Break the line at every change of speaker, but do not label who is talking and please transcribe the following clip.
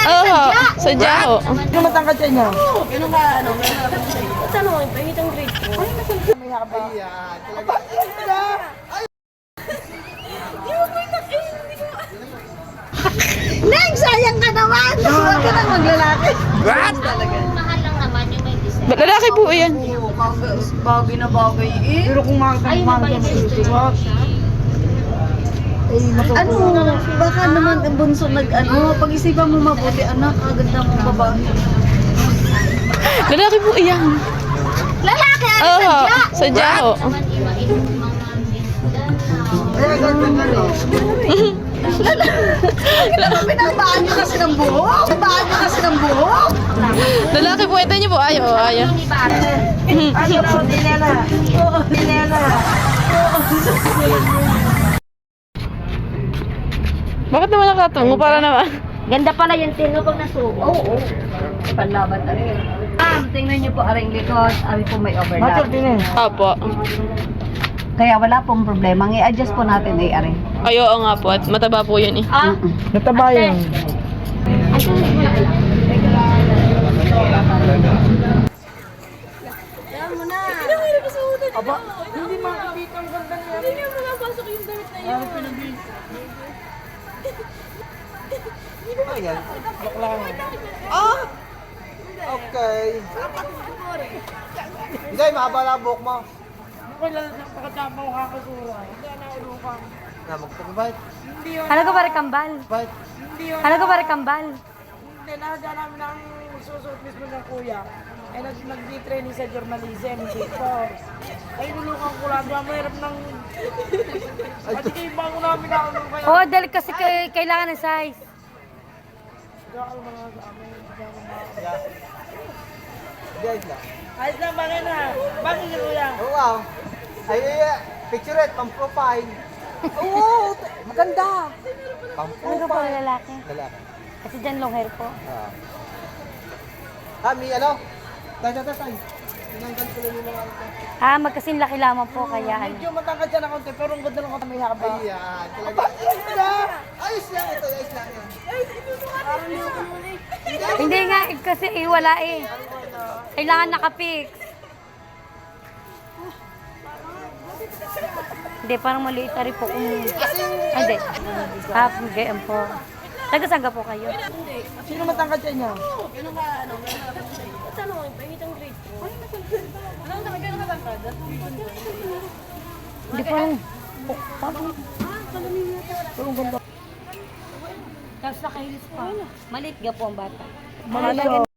Oo, sadya ho.
Ano matangkad siya niya?
Ganun ka, ano, ano, pahit ang grade ko.
May haba.
Ayan, talaga.
Neng, sayang ka naman! Huwag ka nang maglalaki.
What?
Mahal lang naman yung may design.
Lalaki po yan.
Bagay na bagay eh. Pero kung
Ay, mabait siya.
Ano, baka naman ang bunso nag-ano, pag-isipan mo mabuti, anak, kaganda mong babae.
Lalaki po yan.
Lalaki,
Oo, sadya ho.
naman iba-ibang mga
Pinabaan niyo kasi ng buhok? Pinabaan niyo kasi ng buhok?
Lalaki po, ito niyo po. Ayaw, ayaw.
ni Bata.
Ano daw, dinela? Oo, dinela.
Bakit naman nakatungo? Para naman.
Ganda pala yung tino pag nasubo.
Oo. Panlaban na rin. Tingnan niyo po aring likod, ari po may overlap.
Opo.
Kaya wala pong problema. I-adjust po natin ay ari.
Ay, oo nga po. At mataba po yun eh.
Nataba yun. Aba, hindi makikita ang ganda niya. Hindi niya makapasok yung damit na yun.
Ayan, bakla nga. Ah! Okay. Hindi, mahaba lang buhok mo. Na, magpag-bite.
Ano ko ba kambal?
Bite.
Ano ko ba kambal?
Hindi, nakadya namin ang susuot mismo ng kuya. Ay nag-training sa journalism, dito. Ay nulukan ko lang, mahirap ng... At hindi bago namin ako nung kaya.
Oo, dahil kasi kailangan ng size.
Guys lang.
Ayos lang, bakit na? Bakit si kuya?
Oh, wow. Ay, picture it, pang-profile. Oo, maganda.
Ano ko po
Pang-profile.
lalaki?
Lalaki.
Kasi dyan long hair po.
May ano? Tay. Tinanggal ko lang yung mga ito.
Ah, magkasing laki lamang po kaya ano.
Medyo matangkad siya na konti, pero ang ganda ng konti may haba.
Ayan, talaga. Ayos lang ito, ayos lang yan.
Hindi nga, kasi wala eh. Kailangan nakapix. Hindi, parang maliit na rin po kung... Ay, hindi. Half game po. Taga-saga po kayo.
Sino matangkad siya niya?
Ganun ka, ano, ano, pahit ang grade ko. Ano, ganun ka tangkad?
Hindi parang...
Pero ang ganda.
Tapos nakahilis pa. Maliit ga po ang bata.
Malala.